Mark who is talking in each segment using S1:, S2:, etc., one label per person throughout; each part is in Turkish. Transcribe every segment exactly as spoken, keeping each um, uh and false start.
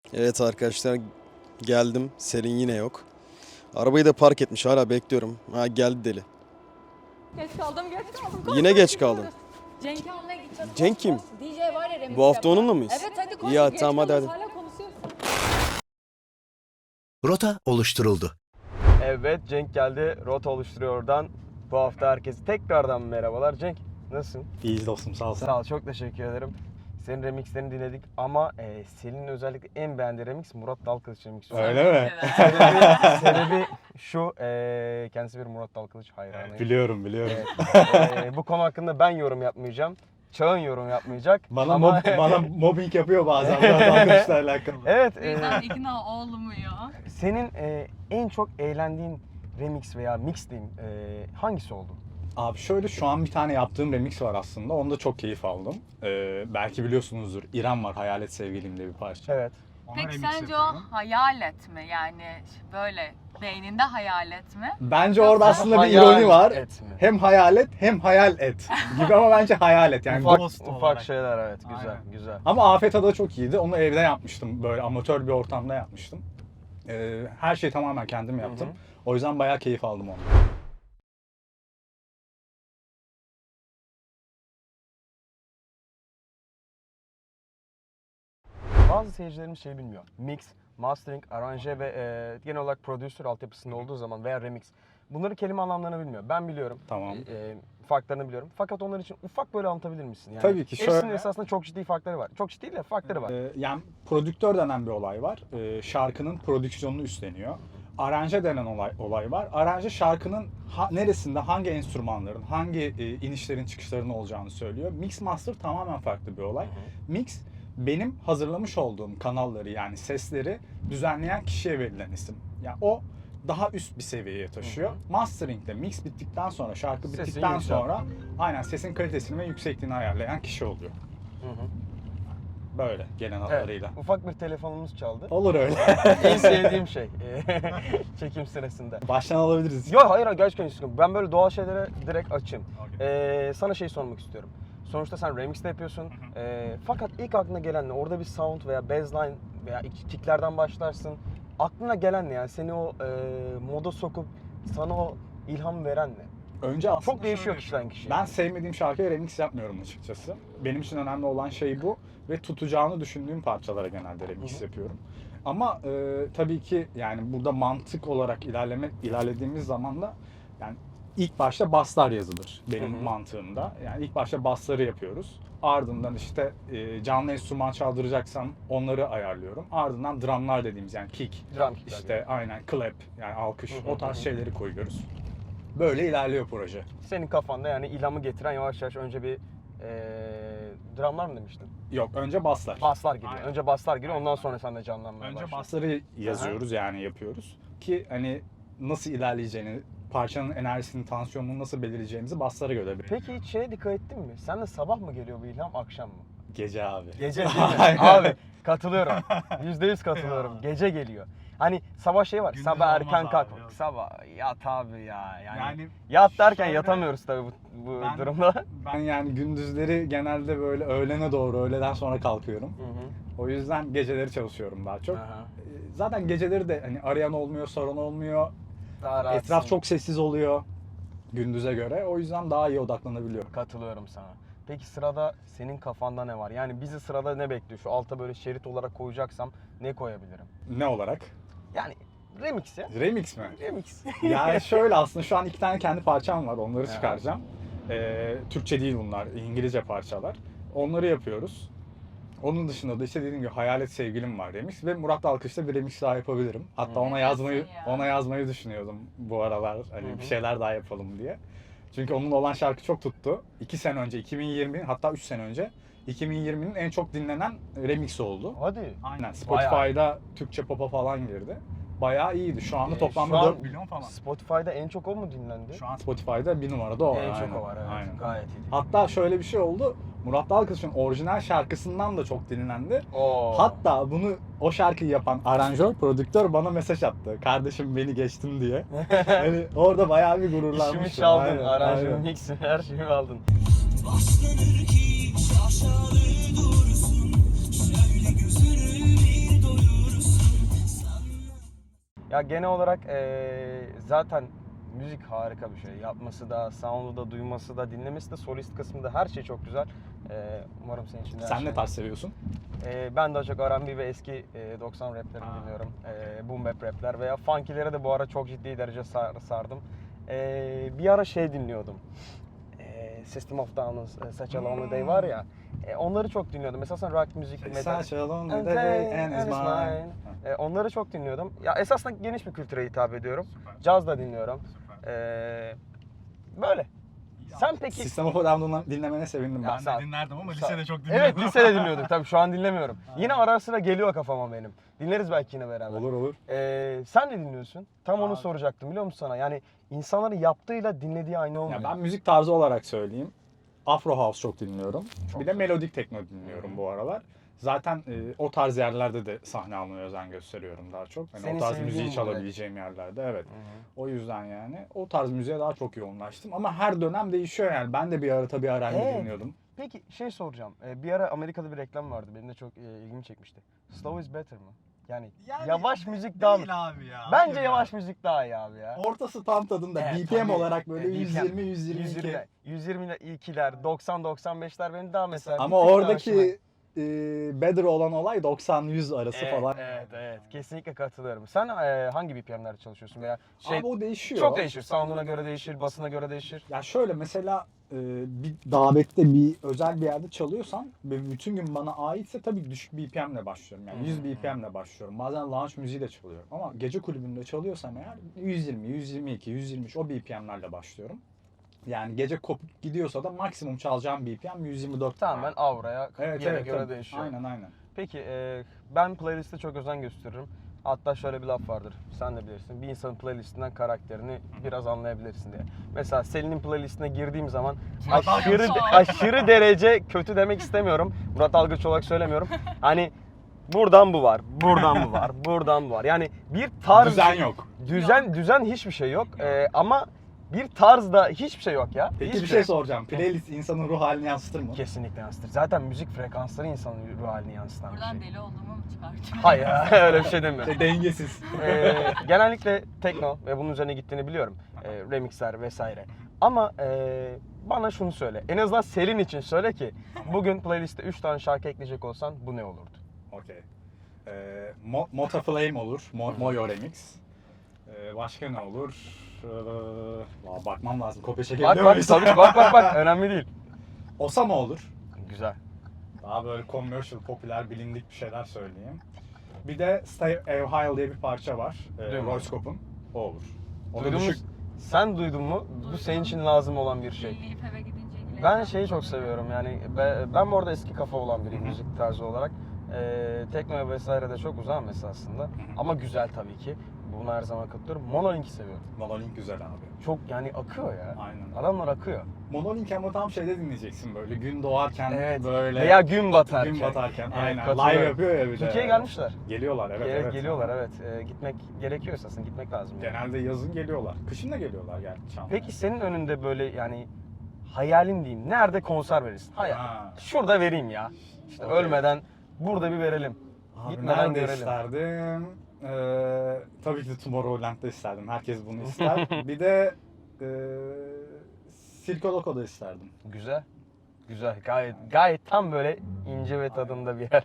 S1: Evet arkadaşlar, geldim. Selin yine yok. Arabayı da park etmiş, hala bekliyorum. Ha, geldi deli.
S2: Geç kaldım, geç kaldım. Koş,
S1: Yine
S2: koş,
S1: geç
S2: gidiyoruz.
S1: kaldın.
S2: Cenk'i almaya gideceğiz.
S1: Cenk
S2: Koş,
S1: kim?
S2: koş. D J var ya remix
S1: Bu hafta
S2: yapan.
S1: onunla mıyız?
S2: Evet hadi koş.
S1: Ya
S2: geç
S1: tamam, hadi,
S2: kalıyoruz,
S1: hadi.
S2: Hala konuşuyorsun.
S3: Rota oluşturuldu.
S1: Evet, Cenk geldi. Rota oluşturuyor oradan. Bu hafta herkese tekrardan merhabalar. Cenk, nasılsın?
S4: İyiyiz dostum, sağ ol sen.
S1: Sağ ol, çok teşekkür ederim. Senin remixlerini dinledik ama e, Selin'in özellikle en beğendiği remix Murat Dalkılıç remixi.
S4: Öyle mi?
S1: Sebebi, sebebi şu, e, kendisi bir Murat Dalkılıç hayranı.
S4: Biliyorum, biliyorum.
S1: Evet. E, bu konu hakkında ben yorum yapmayacağım. Çağın yorum yapmayacak.
S4: Bana
S1: ama...
S4: mob, bana mobbing yapıyor bazen biraz arkadaşlarla alakalı.
S1: Evet.
S2: O
S1: E,
S2: yüzden ikna olmuyor.
S1: senin e, en çok eğlendiğin remix veya mix diyeyim e, hangisi oldu?
S4: Abi şöyle, şu an bir tane yaptığım remix var aslında. Onda çok keyif aldım. Ee, belki biliyorsunuzdur. İrem var, Hayalet Sevgilim diye bir parça.
S1: Evet.
S4: Ona
S5: Peki
S4: remix
S5: sence
S4: yapıyorum.
S5: o hayalet mi? Yani böyle beyninde hayalet mi?
S4: Bence orada aslında bir
S1: Hayal
S4: ironi var.
S1: et mi?
S4: Hem hayalet hem hayal et gibi, ama bence hayalet yani.
S1: ufak
S4: ghost
S1: ufak
S4: olarak.
S1: şeyler, evet, güzel
S4: Aynen.
S1: güzel.
S4: Ama Afet Ada çok iyiydi. Onu evde yapmıştım. Böyle amatör bir ortamda yapmıştım. Ee, her şeyi tamamen kendim yaptım.
S1: Hı hı.
S4: O yüzden bayağı keyif aldım ondan.
S1: Bazı seyircilerimiz şey bilmiyor. Mix, mastering, aranje ve e, genel olarak prodüser altyapısında olduğu zaman veya remix. Bunları kelime anlamlarını bilmiyor. Ben biliyorum.
S4: Tamam.
S1: E, farklarını biliyorum. Fakat onlar için ufak böyle anlatabilir misin? Yani
S4: Tabii ki,
S1: hepsinin
S4: şöyle-
S1: esasında çok ciddi farkları var. Çok ciddi değil de farkları var.
S4: Ee, yani prodüktör denen bir olay var. Ee, şarkının prodüksiyonunu üstleniyor. Aranje denen olay, olay var. Aranje şarkının ha- neresinde, hangi enstrümanların, hangi e, inişlerin çıkışların olacağını söylüyor. Mix master tamamen farklı bir olay. Mix, benim hazırlamış olduğum kanalları, yani sesleri düzenleyen kişiye verilen isim. Yani o daha üst bir seviyeye taşıyor. Mastering'de mix bittikten sonra, şarkı
S1: Sesin
S4: bittikten
S1: yükselt.
S4: sonra aynen sesin kalitesini ve yüksekliğini ayarlayan kişi oluyor.
S1: Hı hı.
S4: Böyle genel
S1: Evet,
S4: hatlarıyla.
S1: ufak bir telefonumuz çaldı.
S4: Olur öyle.
S1: En sevdiğim şey çekim sırasında.
S4: Baştan alabiliriz.
S1: Yok hayır, gerçekten hiç sıkıntı. Ben böyle doğal şeylere direkt açayım. Ee, sana şey sormak istiyorum. Sonuçta sen remix de yapıyorsun. Ee, fakat ilk aklına gelen ne? Orada bir sound veya bassline veya kicklerden başlarsın. Aklına gelen ne? Yani seni o e, moda sokup sana o ilham veren ne?
S4: Önce aslında
S1: Çok değişiyor
S4: şöyle,
S1: kişiden kişiye.
S4: ben sevmediğim şarkıya remix yapmıyorum açıkçası. Benim için önemli olan şey bu ve tutacağını düşündüğüm parçalara genelde remix
S1: Hı hı.
S4: yapıyorum. Ama e, tabii ki yani burada mantık olarak ilerleme ilerlediğimiz zaman da yani ilk başta basslar yazılır benim
S1: Hı hı.
S4: mantığımda. Yani ilk başta bassları yapıyoruz. Ardından işte e, canlı enstrüman çaldıracaksam onları ayarlıyorum. Ardından drumlar dediğimiz, yani kick,
S1: Drum kickler
S4: işte
S1: yani.
S4: aynen clap, yani alkış,
S1: Hı hı,
S4: o tarz
S1: hı hı.
S4: şeyleri koyuyoruz. Böyle ilerliyor proje.
S1: Senin kafanda yani ilhamı getiren yavaş yavaş önce bir e, drumlar mı demiştin?
S4: Yok, önce basslar.
S1: Baslar giriyor.
S4: Aynen.
S1: Önce baslar giriyor, ondan sonra sen de canlanmaya
S4: Önce
S1: başlıyor.
S4: bassları yazıyoruz, yani yapıyoruz ki hani nasıl ilerleyeceğini, parçanın enerjisini, tansiyonunu nasıl belirleyeceğimizi basslara göre belirliyoruz.
S1: Peki hiç şeye dikkat ettin mi? Sen de sabah mı geliyor bu ilham, akşam mı?
S4: Gece abi.
S1: Gece değil mi?
S4: Aynen.
S1: Abi katılıyorum. Yüzde yüz katılıyorum. Gece geliyor. Hani sabah şey var.
S4: Gündüz
S1: sabah
S4: olmaz
S1: erken
S4: abi,
S1: kalk.
S4: yok.
S1: Sabah yat abi ya. Yani,
S4: Yani
S1: yat derken
S4: şöyle-
S1: yatamıyoruz tabii bu, bu
S4: Ben-
S1: durumda.
S4: Ben yani gündüzleri genelde böyle öğlene doğru, öğleden sonra kalkıyorum.
S1: Hı hı.
S4: O yüzden geceleri çalışıyorum daha çok.
S1: Aha.
S4: Ee, Zaten geceleri de hani arayan olmuyor, soran olmuyor.
S1: Daha rahatsın.
S4: Etraf çok sessiz oluyor gündüze göre. O yüzden daha iyi odaklanabiliyorum.
S1: Katılıyorum sana. Peki sırada senin kafanda ne var? Yani bizi sırada ne bekliyor? Şu alta böyle şerit olarak koyacaksam ne koyabilirim?
S4: Ne olarak?
S1: Yani remix ya.
S4: Remix mi?
S1: Remix.
S4: Yani şöyle, aslında şu an iki tane kendi parçam var. Onları
S1: Aha.
S4: çıkaracağım. Ee, Türkçe değil bunlar. İngilizce parçalar. Onları yapıyoruz. Onun dışında da işte dediğim gibi Hayalet Sevgilim var remix ve Murat Dalkış'ta bir remix daha yapabilirim. Hatta
S1: Hı.
S4: ona yazmayı
S5: ya?
S4: ona yazmayı düşünüyordum bu aralar. Hani
S1: Hı hı.
S4: bir şeyler daha yapalım diye. Çünkü onun olan şarkı çok tuttu. iki sene önce, iki bin yirmi, hatta üç sene önce iki bin yirminin en çok dinlenen remix oldu.
S1: Hadi.
S4: Aynen. Spotify'da Türkçe pop'a falan girdi. Bayağı iyiydi. Şu anda
S1: Ee,
S4: toplamda
S1: şu an
S4: dört milyon falan.
S1: Spotify'da en çok o mu dinlendi?
S4: Şu an Spotify'da bir numarada o var.
S1: en çok
S4: aynen.
S1: o var, evet.
S4: Aynen.
S1: Gayet iyi.
S4: Hatta şöyle bir şey oldu. Murat Dalkılıç'ın orijinal şarkısından da çok dinlendi.
S1: Oo.
S4: Hatta bunu, o şarkıyı yapan aranjör, prodüktör bana mesaj attı. Kardeşim beni geçtin diye. Yani orada bayağı bir gururlanmıştım.
S1: İşimi çaldın,
S4: Aynen,
S1: aranjörü,
S4: aynen.
S1: mix'i, her şeyi aldın.
S6: Başlanır ki şaşalı dursun, şöyle gözünü bir doyur.
S1: Ya genel olarak eee, zaten müzik harika bir şey. Yapması da, sound'u da, duyması da, dinlemesi de, solist kısmında her şey çok güzel. Eee, umarım senin için de her
S4: Sen
S1: şey.
S4: ne tarz seviyorsun?
S1: Eee, ben daha çok R and B ve eski eee, doksan raplerini
S4: Aa.
S1: dinliyorum. Eee boom bap rapler veya funkilere de bu ara çok ciddi derece sar- sardım. Eee, bir ara şey dinliyordum. Eee, System of Down'ın Such a Lonely Day var ya. eee, onları çok dinliyordum. Mesela sen rock müzik, metal.
S4: Such a lonely
S1: And
S4: day
S1: day
S4: and
S1: and
S4: is
S1: is
S4: mine.
S1: mine. Eee, onları çok dinliyordum. Ya esasında geniş bir kültüre hitap ediyorum.
S3: Süper.
S1: Caz da dinliyorum.
S3: Süper.
S1: Eee, böyle. Sen peki...
S4: System of a Down'dan dinlemene sevindim
S1: Ya
S4: ben.
S3: Ben
S1: sağ-
S3: de dinlerdim ama
S1: sağ-
S3: lisede çok dinliyordum.
S1: Evet, lisede dinliyorduk tabii, şu an dinlemiyorum. Yine ara sıra geliyor kafama benim. Dinleriz belki yine beraber.
S4: Olur olur.
S1: Ee, sen ne dinliyorsun? Tam onu
S3: Abi.
S1: soracaktım, biliyor musun sana? Yani insanların yaptığıyla dinlediği aynı olmuyor.
S4: Ya ben müzik tarzı olarak söyleyeyim. Afro House çok dinliyorum.
S1: Çok
S4: bir de
S1: güzel.
S4: melodik tekno dinliyorum bu aralar. Zaten e, o tarz yerlerde de sahne almaya özen gösteriyorum daha çok. Hani
S1: Senin
S4: o tarz
S1: sevdiğin
S4: müziği
S1: bu
S4: çalabileceğim yerlerde, evet.
S1: Hı hı.
S4: O yüzden yani o tarz müziğe daha çok yoğunlaştım. Ama her dönem değişiyor yani. Ben de bir ara tabii R and B
S1: Evet.
S4: dinliyordum.
S1: Peki şey soracağım. Ee, bir ara Amerika'da bir reklam vardı. Benim de çok e, ilgimi çekmişti. Slow is better mı? Yani,
S3: Yani
S1: yavaş müzik daha mı?
S3: Değil abi ya.
S1: Bence
S3: Hayır
S1: yavaş
S3: ya.
S1: müzik daha iyi abi ya.
S4: Ortası tam tadında.
S1: Evet,
S4: B P M
S1: tabii.
S4: olarak böyle
S1: E, B P M.
S4: yüz yirmi yüz yirmi iki.
S1: yüz yirmi, yüz yirmi ile ikiler, doksan doksan beşler benim daha mesela.
S4: Ama
S1: bir tık daha
S4: oradaki
S1: hoşuma-
S4: e, better olan olay doksan yüz arası
S1: Evet,
S4: falan.
S1: evet, evet. Kesinlikle katılıyorum. Sen e, hangi B P M'lerde çalışıyorsun veya şey
S4: Abi o değişiyor.
S1: çok değişir. Sound'una göre değişir, basına göre değişir.
S4: Ya şöyle mesela e, bir davette bir özel bir yerde çalıyorsam ve bütün gün bana aitse tabii düşük B P M'le başlıyorum. Yani yüz B P M'le başlıyorum. Bazen lounge müziği de çalıyorum. Ama gece kulübünde çalıyorsam eğer yüz yirmi, yüz yirmi iki, yüz yirmi üç o B P M'lerle başlıyorum. Yani gece kopup gidiyorsa da maksimum çalacağım B P M yüz yirmi dört.
S1: Tamamen auraya,
S4: Evet,
S1: yere
S4: evet,
S1: göre
S4: tabii.
S1: değişiyor.
S4: Aynen aynen.
S1: Peki e, ben playlist'e çok özen gösteririm. Hatta şöyle bir laf vardır. Sen de bilirsin. Bir insanın playlistinden karakterini biraz anlayabilirsin diye. Mesela Selin'in playlistine girdiğim zaman
S3: Murat
S1: aşırı
S3: Algıç.
S1: aşırı derece kötü demek istemiyorum. Murat Algıç olarak söylemiyorum. Hani buradan bu var, buradan bu var, buradan bu var. Yani bir tarz
S4: Düzen yok.
S1: Düzen düzen hiçbir şey yok. E, ama bir tarzda hiçbir şey yok ya.
S4: Peki
S1: Hiçbir
S4: bir şey soracağım. Playlist insanın ruh halini yansıtır mı?
S1: Kesinlikle yansıtır. Zaten müzik frekansları insanın ruh halini yansıtan bir
S5: Buradan
S1: şey.
S5: deli olduğumu mu çıkartıyorsun?
S1: Hayır, öyle bir şey demiyorum.
S4: Şey, dengesiz.
S1: Ee, genellikle tekno ve bunun üzerine gittiğini biliyorum. Ee, remixler vesaire. Ama e, bana şunu söyle. En azından Selin için söyle ki bugün playliste üç tane şarkı ekleyecek olsan bu ne olurdu?
S4: Okey. Ee, Mo- Mota Flame olur. Mo- Moyo Remix. Ee, başka ne olur? Ee, valla bakmam lazım. Kopya
S1: Bak
S4: çekebiliyor
S1: bak
S4: muyuz?
S1: tabii bak bak bak önemli değil.
S4: Osama olur.
S1: Güzel.
S4: Daha böyle commercial, popüler, bilindik bir şeyler söyleyeyim. Bir de Stay Ohio diye bir parça var. Ee,
S1: Duydum.
S4: Roy Scope'un. O olur. O da
S1: Duydun mu?
S4: düşük.
S1: Sen duydun mu? Bu senin için lazım olan bir şey.
S5: Dinleyip eve gidince ilgileneceğim.
S1: Ben şeyi çok seviyorum yani be- ben bu arada eski kafa olan biriyim müzik tarzı olarak. Ee, tekno vesaire de çok uzağım mesela aslında. Ama güzel tabii ki. Bunu her zaman katılıyorum. Monolink'i seviyorum.
S4: Monolink güzel abi.
S1: Çok yani akıyor ya.
S4: Aynen.
S1: Adamlar akıyor.
S4: Monolink ama tam şeyde dinleyeceksin böyle. Gün doğarken
S1: Evet.
S4: böyle.
S1: Veya gün batarken.
S4: Gün batarken.
S1: Evet,
S4: Aynen.
S1: katılıyorum.
S4: Live yapıyor ya bir de.
S1: Türkiye'ye gelmişler.
S4: Geliyorlar evet.
S1: Ge-
S4: evet.
S1: Geliyorlar evet. Ee, gitmek gerekiyor esasında. Gitmek lazım. yani.
S4: Genelde yazın geliyorlar. Kışın da geliyorlar yani. Çamlı'ya.
S1: Peki senin önünde böyle yani hayalin diyeyim. Nerede konser verirsin? Hayal.
S4: Ha.
S1: Şurada vereyim ya. İşte
S4: Okey.
S1: ölmeden burada bir verelim.
S4: Abi
S1: Gitmeden
S4: nerede
S1: görelim.
S4: isterdim? Ee, tabii ki de Tomorrowland'da isterdim. Herkes bunu ister. Bir de e, Circo Loco'da isterdim.
S1: Güzel. Güzel. Gayet gayet tam böyle ince ve tadında bir yer.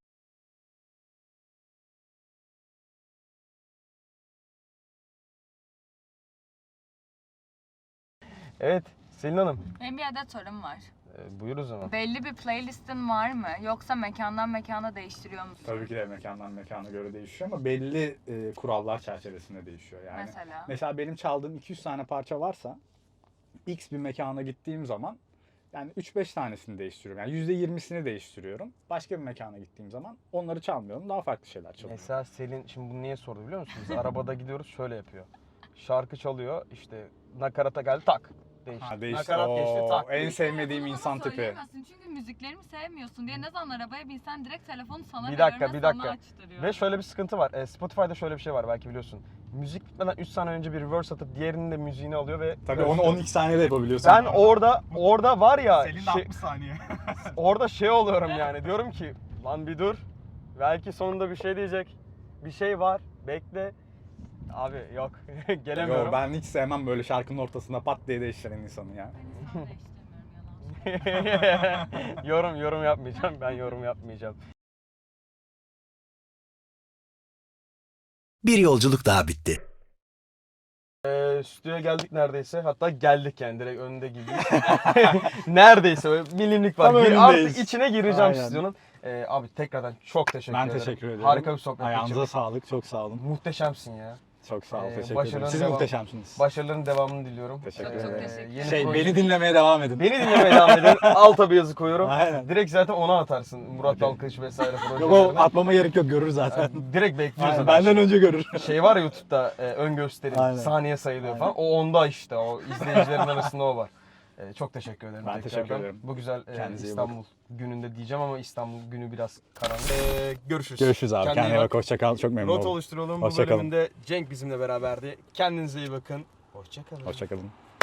S1: Evet, Selin Hanım.
S5: Benim bir adet sorum var.
S1: Ee, buyur o zaman.
S5: Belli bir playlistin var mı? Yoksa mekandan mekana değiştiriyor musun?
S4: Tabii ki de mekandan mekana göre değişiyor ama belli e, kurallar çerçevesinde değişiyor yani.
S5: Mesela?
S4: Mesela benim çaldığım iki yüz tane parça varsa X bir mekana gittiğim zaman yani üç beş tanesini değiştiriyorum. Yani yüzde yirmisini değiştiriyorum. Başka bir mekana gittiğim zaman onları çalmıyorum. Daha farklı şeyler çalıyorum.
S1: Mesela Selin şimdi bunu niye sordu biliyor musun? Biz arabada gidiyoruz şöyle yapıyor. Şarkı çalıyor işte nakarata geldi tak. Değişti.
S4: Ha, değişti.
S1: Nakarat geçti
S4: Oo,
S1: tak.
S4: en
S1: değişti.
S4: sevmediğim
S5: Bunu bana
S4: insan tipi.
S5: söyleyemezsin çünkü müziklerimi sevmiyorsun diye ne zaman arabaya binsen direkt telefonu sana
S1: Bir dakika,
S5: veriyorum
S1: bir
S5: ve sana
S1: dakika.
S5: açtırıyorum.
S1: Ve şöyle bir sıkıntı var. E, Spotify'da şöyle bir şey var belki biliyorsun. Müzik bitmeden üç saniye önce bir reverse atıp diğerinin de müziğini alıyor ve
S4: Tabii onu on iki saniyede yapabiliyorsun.
S1: ben orada orada var ya
S3: Selin de
S1: şey-
S3: altmış saniye.
S1: orada şey oluyorum yani diyorum ki lan bir dur. Belki sonunda bir şey diyecek. Bir şey var. Bekle. Abi yok gelemiyorum.
S4: Yo, ben hiç sevmem böyle şarkının ortasında pat diye değiştiren insanı ya.
S5: Ben insan değiştirmiyorum yalan.
S1: yorum yorum yapmayacağım. Ben yorum yapmayacağım.
S3: Bir yolculuk daha bitti.
S1: Ee, stüdyoya geldik neredeyse. Hatta geldik yani direkt önünde gibiyiz. Neredeyse böyle milimlik var.
S4: Tam
S1: Gir-
S4: önündeyiz.
S1: artık içine gireceğim
S4: Aynen.
S1: stüdyonun. Ee, abi tekrardan çok teşekkür
S4: Ben
S1: ederim.
S4: teşekkür ederim.
S1: Harika bir sohbet
S4: Ayağınıza
S1: geçirdik.
S4: sağlık. Çok sağ olun.
S1: Muhteşemsin ya.
S4: Çok sağ ol.
S1: Ee,
S4: Teşekkür
S1: başarıların
S4: ederim. Siz
S1: devam-
S4: muhteşemsiniz.
S1: Başarıların devamını diliyorum.
S4: Teşekkür
S5: Çok çok
S4: ederim.
S5: teşekkür
S1: yeni
S4: Şey,
S1: proje-
S4: beni dinlemeye devam edin.
S1: Beni dinlemeye devam edin. Alta bir yazı koyuyorum.
S4: Aynen.
S1: Direkt zaten ona atarsın. Murat
S4: Okey.
S1: Dalkılıç vesaire
S4: Yok o
S1: projelerine.
S4: atmama gerek yok, görür zaten.
S1: Direkt bekliyoruz.
S4: Aynen,
S1: zaten.
S4: benden önce görür.
S1: Şey var ya YouTube'da e, ön gösterim,
S4: Aynen.
S1: saniye sayılıyor
S4: Aynen.
S1: falan. O onda işte, o izleyicilerin arasında o var. E, çok teşekkür ederim.
S4: Ben
S1: tekrardan.
S4: teşekkür ederim.
S1: Bu güzel e,
S4: Kendinize iyi
S1: İstanbul gününde diyeceğim ama İstanbul günü biraz karanlık. E, görüşürüz.
S4: Görüşürüz abi.
S1: Kendine
S4: Kendine
S1: iyi
S4: bak. Hoşça kal. Çok memnun
S1: Rota
S4: oldum.
S1: oluşturalım.
S4: Hoşça
S1: Bu
S4: kalın.
S1: bölümünde Cenk bizimle beraberdi. Kendinize iyi bakın. Hoşça kalın.
S4: Hoşça kalın.